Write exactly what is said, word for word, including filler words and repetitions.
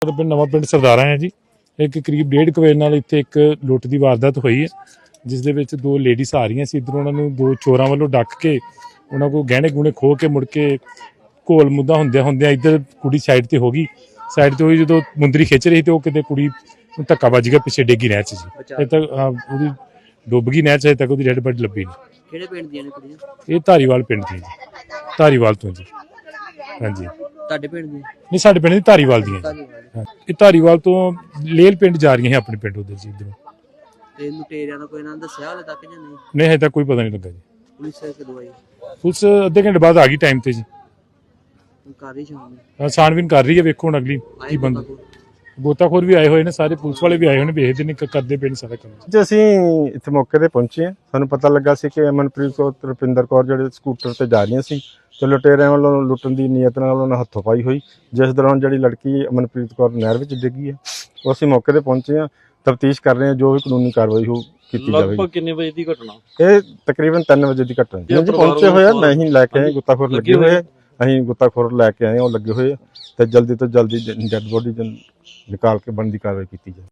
ਪਿੰਡ ਨਵਾਂ ਪਿੰਡ ਸਰਦਾਰਾ ਹੈ ਜੀ। ਇੱਕ ਕਰੀਬ ਡੇਢ ਕੁ ਵਜੇ ਨਾਲ ਇੱਥੇ ਇੱਕ ਲੁੱਟ ਦੀ ਵਾਰਦਾਤ ਹੋਈ ਹੈ, ਜਿਸ ਦੇ ਵਿੱਚ ਦੋ ਲੇਡੀਜ਼ ਆ ਰਹੀਆਂ ਸੀ। ਇੱਧਰੋਂ ਉਹਨਾਂ ਨੂੰ ਦੋ ਚੋਰਾਂ ਵੱਲੋਂ ਡੱਕ ਕੇ ਉਹਨਾਂ ਕੋਲ ਗਹਿਣੇ ਗੁਣੇ ਖੋਹ ਕੇ ਮੁੜ ਕੇ ਘੋਲ ਮੁੱਦਾ ਹੁੰਦਿਆਂ ਹੁੰਦਿਆਂ ਇੱਧਰ ਕੁੜੀ ਸਾਈਡ ਤੇ ਹੋ ਗਈ। ਸਾਈਡ ਤੇ ਹੋਈ ਜਦੋਂ ਮੁੰਦਰੀ ਖਿੱਚ ਰਹੀ ਤੇ ਉਹ ਕਿਤੇ ਕੁੜੀ ਨੂੰ ਧੱਕਾ ਵੱਜ ਗਿਆ, ਪਿੱਛੇ ਡੇਗੀ ਨਹਿਰ 'ਚ ਜੀ। ਇਹ ਤੱਕ ਉਹਦੀ ਡੁੱਬ ਗਈ ਨਹਿਰ 'ਚ, ਅਜੇ ਤੱਕ ਉਹਦੀ ਡੈਡ ਬਾਡੀ ਲੱਭੀ ਨਹੀਂ। ਕਿਹੜੇ ਪਿੰਡ ਦੀਆਂ ਨੇ ਕੁੜੀਆਂ? ਇਹ ਧਾਰੀਵਾਲ ਪਿੰਡ ਦੀ ਜੀ, ਧਾਰੀਵਾਲ ਤੋਂ ਜੀ। ਹਾਂਜੀ, ਤੁਹਾਡੇ ਪਿੰਡ ਦੀਆਂ? ਨਹੀਂ, ਸਾਡੇ ਪਿੰਡ ਦੀ ਧਾਰੀਵਾਲ ਦੀਆਂ ਜੀ। ਇਹ ਧਾਰੀਵਾਲ ਤੋਂ ਲੇਲ ਪਿੰਡ ਜਾ ਰਹੀਆਂ ਹੈ, ਆਪਣੇ ਪਿੰਡ ਉਧਰ ਜੀ। ਇੱਧਰੋਂ ਤੇ ਲੁਟੇਰਿਆਂ ਦਾ ਕੋਈ ਨਾਮ ਦੱਸਿਆ ਹਾਲੇ ਤੱਕ ਜਾਂ ਨਹੀਂ? ਨਹੀਂ, ਹਜੇ ਤੱਕ ਕੋਈ ਪਤਾ ਨਹੀਂ ਲੱਗਾ ਜੀ। ਪੁਲਿਸ ਕਦੋਂ ਆਈ? ਪੁਲਿਸ ਅੱਧੇ ਘੰਟੇ ਬਾਅਦ ਆ ਗਈ ਟਾਈਮ ਤੇ ਜੀ। ਕਰ ਰਹੀ ਸ਼ਾਮ ਹਾਂ, ਛਾਣਬੀਨ ਕਰ ਰਹੀ ਹੈ, ਵੇਖੋ ਹੁਣ ਅਗਲੀ ਕੀ ਬੰਦਾ। ਗੋਤਾਖੋਰ ਵੀ ਆਏ ਹੋਏ ਨੇ, ਸਾਰੇ ਪੁਲਿਸ ਵਾਲੇ ਵੀ ਆਏ ਹੋਏ ਨੇ, ਵੇਖਦੇ ਨੇ ਕਰਦੇ ਪਏ ਨੇ ਸਾਰਾ ਕੰਮ ਜੀ। ਅਸੀਂ ਇੱਥੇ ਮੌਕੇ ਤੇ ਪਹੁੰਚੇ ਹਾਂ, ਸਾਨੂੰ ਪਤਾ ਲੱਗਾ ਸੀ ਕਿ ਅਮਨਪ੍ਰੀਤ ਕੌਰ ਤੇ ਰੁਪਿੰਦਰ ਕੌਰ ਜਿਹੜੇ ਸਕੂਟਰ ਤੇ ਜਾ ਰਹੀਆਂ ਸੀ ਤੇ ਲੁਟੇਰਿਆਂ ਵੱਲੋਂ ਲੁੱਟਣ ਦੀ ਨੀਅਤ ਨਾਲ ਉਹਨਾਂ ਨੇ ਹੱਥੋਂ ਪਾਈ ਹੋਈ, ਜਿਸ ਦੌਰਾਨ ਜਿਹੜੀ ਲੜਕੀ ਅਮਨਪ੍ਰੀਤ ਕੌਰ ਨਹਿਰ ਵਿੱਚ ਡਿੱਗੀ ਹੈ। ਉਹ ਅਸੀਂ ਮੌਕੇ ਤੇ ਪਹੁੰਚੇ ਹਾਂ, ਤਫਤੀਸ਼ ਕਰ ਰਹੇ ਹਾਂ, ਜੋ ਵੀ ਕਾਨੂੰਨੀ ਕਾਰਵਾਈ ਹੋ ਕੀਤੀ ਜਾਵੇਗੀ। ਲਗਭਗ ਕਿੰਨੇ ਵਜੇ ਦੀ ਘਟਨਾ? ਇਹ ਤਕਰੀਬਨ ਤਿੰਨ ਵਜੇ ਦੀ ਘਟਨਾ ਹੈ ਜੀ। ਪਹੁੰਚੇ ਹੋਏ ਆ, ਮੈਂ ਹੀ ਲੈ ਕੇ ਆਏ, ਗੁੱਤਾਖੋਰ ਲੱਗੇ ਹੋਏ ਆ, ਅਸੀਂ ਗੁੱਤਾਖੋਰ ਲੈ ਕੇ ਆਏ, ਉਹ ਲੱਗੇ ਹੋਏ ਆ ਤੇ ਜਲਦੀ ਤੋਂ ਜਲਦੀ ਡੈਡ ਬੋਡੀ ਨਿਕਾਲ ਕੇ ਬਣਦੀ ਕਾਰਵਾਈ ਕੀਤੀ ਜਾਵੇ।